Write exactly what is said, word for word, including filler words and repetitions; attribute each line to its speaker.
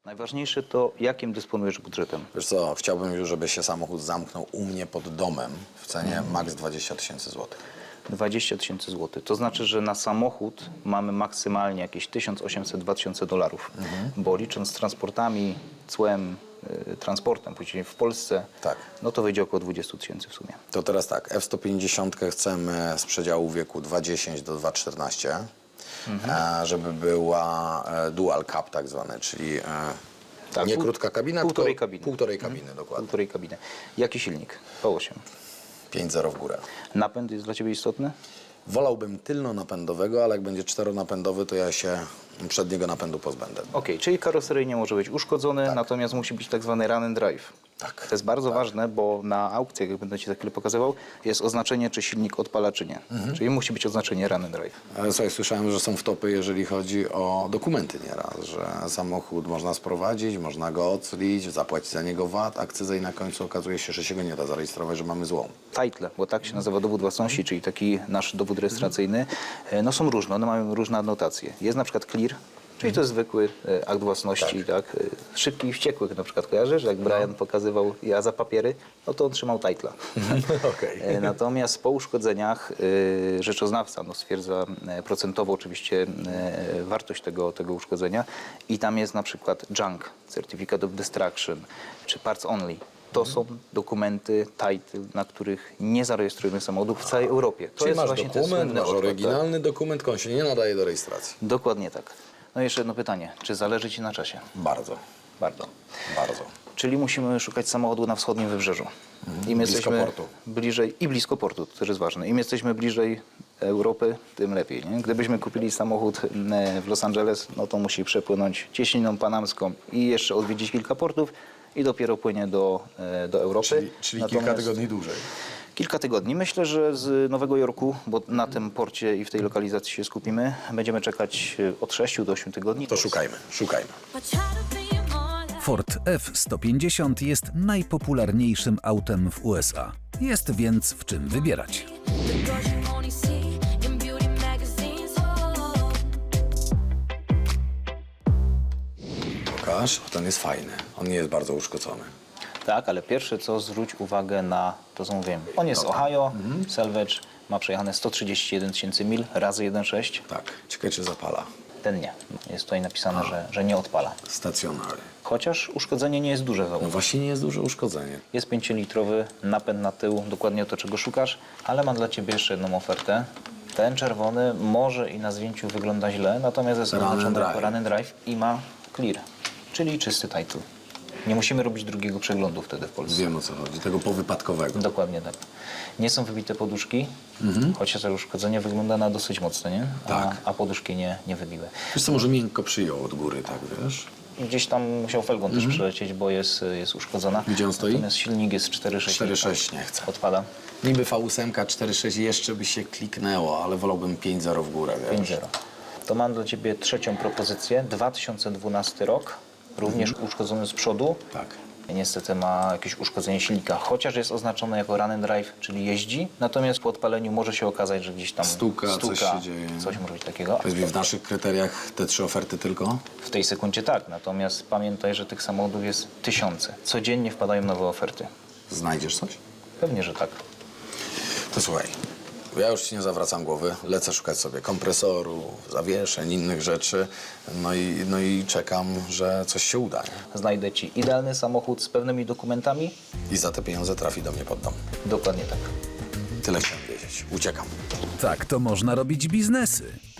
Speaker 1: Najważniejsze to, jakim dysponujesz budżetem.
Speaker 2: Wiesz co, chciałbym już, żeby się samochód zamknął u mnie pod domem w cenie
Speaker 1: Mhm.
Speaker 2: maks dwadzieścia tysięcy złotych.
Speaker 1: dwadzieścia tysięcy złotych. To znaczy, że na samochód mamy maksymalnie jakieś tysiąc osiemset do dwa tysiące dolarów,
Speaker 2: Mhm.
Speaker 1: bo licząc z transportami, cłem, y, transportem później w Polsce,
Speaker 2: Tak.
Speaker 1: no to wyjdzie około dwadzieścia tysięcy w sumie.
Speaker 2: To teraz tak, F sto pięćdziesiąt chcemy z przedziału wieku dwa dziesięć do dwa czternaście,
Speaker 1: Mhm.
Speaker 2: e, żeby była e, dual cab tak zwane, czyli e,
Speaker 1: Tak,
Speaker 2: nie
Speaker 1: pół-
Speaker 2: krótka kabina,
Speaker 1: półtorej
Speaker 2: tylko
Speaker 1: kabiny.
Speaker 2: półtorej kabiny, dokładnie.
Speaker 1: Półtorej kabiny. Jaki silnik? V osiem.
Speaker 2: pięć zero w górę.
Speaker 1: Napęd jest dla Ciebie istotny?
Speaker 2: Wolałbym tylnonapędowego, ale jak będzie czteronapędowy, to ja się przedniego napędu pozbędę.
Speaker 1: Okej, czyli karoseryjnie może być uszkodzony, natomiast musi być tak zwany run and drive.
Speaker 2: Tak.
Speaker 1: To jest bardzo ważne, bo na aukcjach, jak będę Ci za chwilę pokazywał, jest oznaczenie, czy silnik odpala, czy nie.
Speaker 2: Mhm.
Speaker 1: Czyli musi być oznaczenie run and drive.
Speaker 2: Ale słuchaj, słyszałem, że są wtopy, jeżeli chodzi o dokumenty nieraz, że samochód można sprowadzić, można go oclić, zapłacić za niego V A T, akcyzę i na końcu okazuje się, że się go nie da zarejestrować, że mamy złą.
Speaker 1: Title, bo tak się nazywa dowód własności, czyli taki nasz dowód rejestracyjny, e, no są różne, one mają różne adnotacje. Jest na przykład clear, czyli to jest zwykły e, akt własności, tak. E, Szybki i wściekłych na przykład kojarzysz, jak Brian pokazywał ja za papiery, no to on trzymał titla.
Speaker 2: Okej.
Speaker 1: E, Natomiast po uszkodzeniach e, rzeczoznawca no, stwierdza e, procentowo oczywiście e, wartość tego, tego uszkodzenia i tam jest na przykład junk, Certificate of Destruction, czy parts only. To są dokumenty, title, na których nie zarejestrujemy samochodów w całej Europie. To
Speaker 2: Czyli
Speaker 1: jest
Speaker 2: masz
Speaker 1: właśnie ten
Speaker 2: dokument,
Speaker 1: słynny
Speaker 2: masz
Speaker 1: odpad,
Speaker 2: oryginalny dokument, tylko on się nie nadaje do rejestracji.
Speaker 1: tak? Dokładnie tak. No i jeszcze jedno pytanie. Czy zależy Ci na czasie?
Speaker 2: Bardzo,
Speaker 1: Bardzo.
Speaker 2: bardzo.
Speaker 1: Czyli musimy szukać samochodu na wschodnim wybrzeżu. Im
Speaker 2: blisko
Speaker 1: jesteśmy
Speaker 2: portu.
Speaker 1: bliżej i blisko portu, to też jest ważne. Im jesteśmy bliżej Europy, tym lepiej. Nie? Gdybyśmy kupili samochód e, w Los Angeles, no to musi przepłynąć cieśniną panamską i jeszcze odwiedzić kilka portów i dopiero płynie do, e, do Europy.
Speaker 2: Czyli, czyli kilka
Speaker 1: Natomiast-
Speaker 2: tygodni dłużej.
Speaker 1: Kilka tygodni. Myślę, że z Nowego Jorku, bo na tym porcie i w tej lokalizacji się skupimy, będziemy czekać e, od sześciu do ośmiu tygodni.
Speaker 2: To szukajmy, szukajmy.
Speaker 3: Ford F sto pięćdziesiąt jest najpopularniejszym autem w U S A. Jest więc w czym wybierać.
Speaker 2: Pokaż, ten jest fajny. On nie jest bardzo uszkodzony.
Speaker 1: Tak, ale pierwsze co, zwróć uwagę na to, co mówiłem. On jest z Ohio, Salvage, ma przejechane sto trzydzieści jeden tysięcy mil razy jeden przecinek sześć.
Speaker 2: Tak, ciekawe czy zapala.
Speaker 1: Ten nie. Jest tutaj napisane, że, że nie odpala.
Speaker 2: Stacjonary.
Speaker 1: Chociaż uszkodzenie nie jest duże.
Speaker 2: No właśnie nie jest duże uszkodzenie.
Speaker 1: Jest pięciolitrowy napęd na tył, dokładnie to, czego szukasz, ale mam dla Ciebie jeszcze jedną ofertę. Ten czerwony może i na zdjęciu wygląda źle, natomiast jest
Speaker 2: Run and
Speaker 1: oznaczony jako
Speaker 2: drive.
Speaker 1: run and drive i ma clear, czyli czysty title. Nie musimy robić drugiego przeglądu wtedy w Polsce.
Speaker 2: Wiem o co chodzi, tego powypadkowego.
Speaker 1: Dokładnie tak. Nie są wybite poduszki, chociaż to uszkodzenie wygląda na dosyć mocne, nie? A,
Speaker 2: Tak.
Speaker 1: a poduszki nie, nie wybiły.
Speaker 2: Wiesz co, może miękko przyjął od góry, tak wiesz?
Speaker 1: Gdzieś tam musiał felgą też przelecieć, bo jest, jest uszkodzona.
Speaker 2: Gdzie on stoi?
Speaker 1: Natomiast silnik jest cztery sześć.
Speaker 2: cztery sześć nie chcę.
Speaker 1: Odpada.
Speaker 2: Niby V osiem cztery sześć jeszcze by się kliknęło, ale wolałbym pięć zero w górę, wiesz?
Speaker 1: pięć zero. To mam dla Ciebie trzecią propozycję. dwa tysiące dwunasty rok, również uszkodzony z przodu.
Speaker 2: Tak.
Speaker 1: Niestety ma jakieś uszkodzenie silnika, chociaż jest oznaczone jako run and drive, czyli jeździ. Natomiast po odpaleniu może się okazać, że gdzieś tam
Speaker 2: Stuka, coś się dzieje.
Speaker 1: Coś może być takiego.
Speaker 2: Powiedz mi, w naszych kryteriach te trzy oferty tylko?
Speaker 1: W tej sekundzie tak, natomiast pamiętaj, że tych samochodów jest tysiące. Codziennie wpadają nowe oferty.
Speaker 2: Znajdziesz coś?
Speaker 1: Pewnie, że tak.
Speaker 2: To słuchaj, ja już ci nie zawracam głowy, lecę szukać sobie kompresoru, zawieszeń, innych rzeczy, no i, no i czekam, że coś się uda. Nie?
Speaker 1: Znajdę Ci idealny samochód z pewnymi dokumentami.
Speaker 2: I za te pieniądze trafi do mnie pod dom.
Speaker 1: Dokładnie tak.
Speaker 2: Tyle chciałem wiedzieć. Uciekam.
Speaker 3: Tak to można robić biznesy.